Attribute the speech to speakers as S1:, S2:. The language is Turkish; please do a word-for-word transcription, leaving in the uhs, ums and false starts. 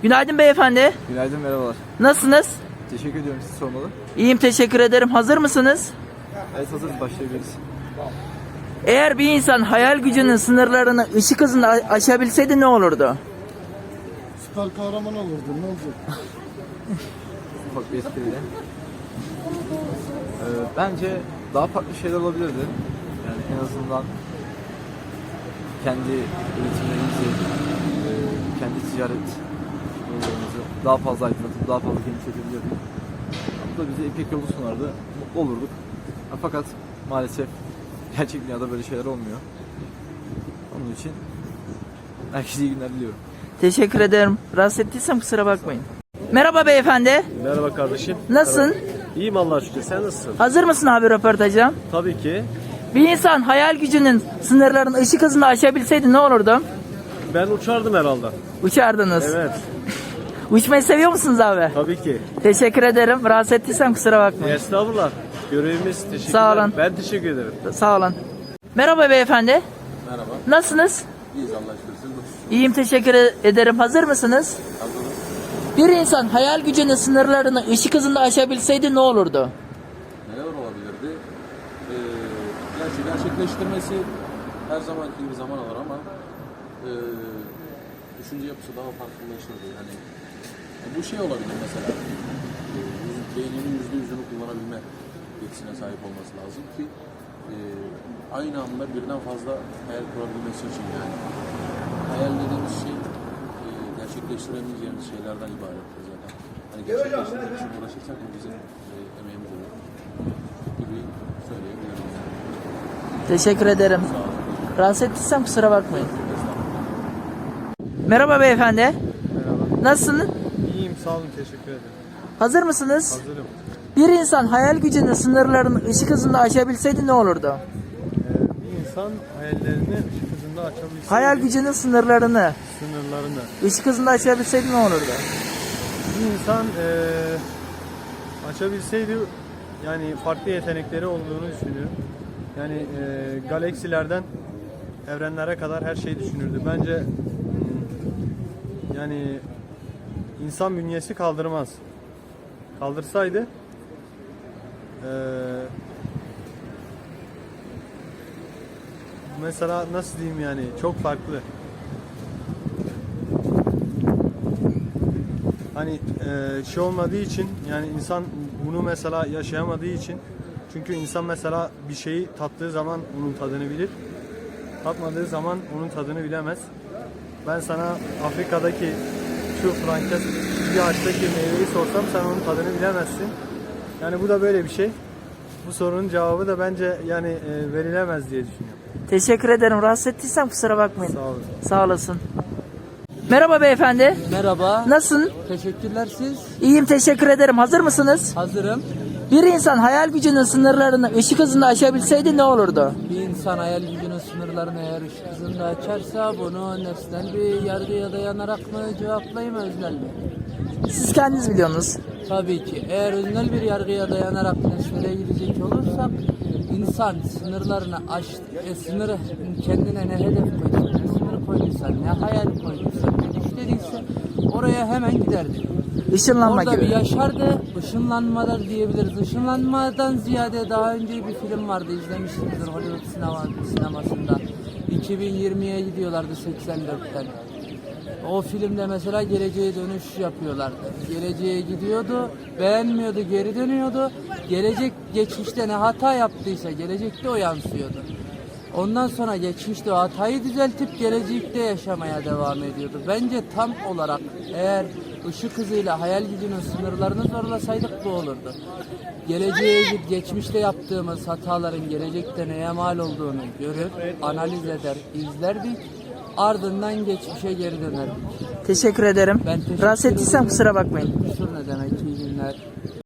S1: Günaydın beyefendi.
S2: Günaydın, merhabalar.
S1: Nasılsınız?
S2: Teşekkür ediyorum, siz sormalı.
S1: İyiyim, teşekkür ederim. Hazır mısınız?
S2: Evet, hazırız, başlayabiliriz.
S1: Eğer bir insan hayal gücünün sınırlarını ışık hızında a- aşabilseydi ne olurdu?
S3: Süper kahraman olurdu, ne olacak?
S2: Ufak bir espriyle. Ee, bence daha farklı şeyler olabilirdi. Yani en azından kendi üretimlerimizi, e, kendi ticaret yollarımızı daha fazla aydınlatıp daha fazla genişletebilirdik. Bu da bize ipek yolu sunardı, mutlu olurduk. Fakat maalesef gerçek dünyada böyle şeyler olmuyor. Onun için herkese iyi günler diliyorum.
S1: Teşekkür ederim. Rahatsız ettiysem kusura bakmayın. Merhaba beyefendi.
S4: Merhaba kardeşim.
S1: Nasılsın?
S4: İyiyim Allah'a şükür. Sen nasılsın?
S1: Hazır mısın abi röportaja?
S4: Tabii ki.
S1: Bir insan hayal gücünün sınırlarını ışık hızında aşabilseydi ne olurdu?
S4: Ben uçardım herhalde.
S1: Uçardınız.
S4: Evet.
S1: Uçmayı seviyor musunuz abi?
S4: Tabii ki.
S1: Teşekkür ederim. Rahatsız ettiysem kusura bakmayın.
S4: Estağfurullah. Görevimiz. Teşekkürler.
S1: Sağ olun.
S4: Ben teşekkür ederim.
S1: Sağ olun. Merhaba beyefendi.
S5: Merhaba.
S1: Nasılsınız?
S5: İyiyiz Allah'a şükür. Siz nasılsınız?
S1: İyiyim, teşekkür ederim. Hazır mısınız?
S5: Hazırız.
S1: Bir insan hayal gücünün sınırlarını ışık hızında aşabilseydi ne olurdu?
S5: Neler olabilirdi? Ee, gerçi gerçekleştirmesi her zamanki gibi zaman alır ama e, düşünce yapısı daha farklılaşırdı. Yani e, bu şey olabilir mesela. E, yüz- beyninin yüzde yüzünü kullanabilme yetisine sahip olması lazım ki e, aynı anda birden fazla hayal kurabilmesi için yani. Hayal dediğimiz şey e, gerçekleştiremeyeceğimiz şeylerden ibarettir zaten. Hani gerçekleştirmek için uğraşırsak bu bizim e, emeğimiz olur gibi söyleyebilirim.
S1: Teşekkür ederim.
S5: Sağ olun.
S1: Rahatsız ettiysem kusura bakmayın. Merhaba beyefendi.
S4: Merhaba.
S1: Nasılsınız?
S4: İyiyim sağ olun. Teşekkür ederim.
S1: Hazır mısınız?
S4: Hazırım.
S1: Bir insan hayal gücünün sınırlarını ışık hızında aşabilseydi ne olurdu?
S4: bir insan hayallerini ışık hızında açabilseydi.
S1: Hayal gücünün sınırlarını
S4: Sınırlarını.
S1: ışık hızında aşabilseydi ne olurdu?
S4: Bir insan eee, açabilseydi yani farklı yetenekleri olduğunu düşünüyorum. Yani eee, galaksilerden evrenlere kadar her şeyi düşünürdü. Bence hmm, yani insan bünyesi kaldırmaz. Kaldırsaydı eee, mesela nasıl diyeyim yani çok farklı. Hani eee, şey olmadığı için yani insan bunu mesela yaşayamadığı için çünkü insan mesela bir şeyi tattığı zaman onun tadını bilir. Tatmadığı zaman onun tadını bilemez. Ben sana Afrika'daki şu frankes bir ağaçtaki meyveyi sorsam sen onun tadını bilemezsin. Yani bu da böyle bir şey. Bu sorunun cevabı da bence yani e, verilemez diye düşünüyorum.
S1: Teşekkür ederim. Rahatsız ettiysem kusura bakmayın.
S4: Sağ olun.
S1: Sağ olasın. Merhaba beyefendi.
S6: Merhaba.
S1: Nasılsın?
S6: Teşekkürler siz.
S1: İyiyim, teşekkür ederim. Hazır mısınız?
S6: Hazırım.
S1: Bir insan hayal gücünün sınırlarını ışık hızında aşabilseydi ne olurdu?
S6: Bir insan hayal gücünün sınırlarını eğer ışık hızında açarsa bunu nesnel bir yargıya dayanarak mı cevaplayayım öznel mi?
S1: Siz kendiniz biliyorsunuz.
S6: Tabii ki. Eğer öznel bir yargıya dayanarak nesnele gidecek olursak insan sınırlarını aş, e, sınırı kendine ne hedef koyduysa, ne sınır koyduysa, ne hayal koyduysa, ne düşlediyse oraya hemen giderdi.
S1: Işınlanma
S6: Orada bir
S1: gibi.
S6: yaşardı, ışınlanmalar diyebiliriz. Işınlanmadan ziyade daha önce bir film vardı, izlemişsinizdir Hollywood sinema, sinemasında. iki bin yirmiye gidiyorlardı seksen dörtten. O filmde mesela geleceğe dönüş yapıyorlardı. Geleceğe gidiyordu, beğenmiyordu, geri dönüyordu. Gelecek geçmişte ne hata yaptıysa gelecekte o yansıyordu. Ondan sonra geçmişte o hatayı düzeltip gelecekte yaşamaya devam ediyordu. Bence tam olarak eğer ışık hızıyla hayal gücünün sınırlarını zorlasaydık bu olurdu. Geleceğe gidip geçmişte yaptığımız hataların gelecekte neye mal olduğunu görür, analiz eder, izlerdik. Ardından geçmişe geri dönerdik.
S1: Teşekkür ederim.
S6: Ben teşekkür
S1: Rahatsız ettiysem
S6: ederim.
S1: kusura bakmayın.
S6: Kusur ne demek, iyi günler.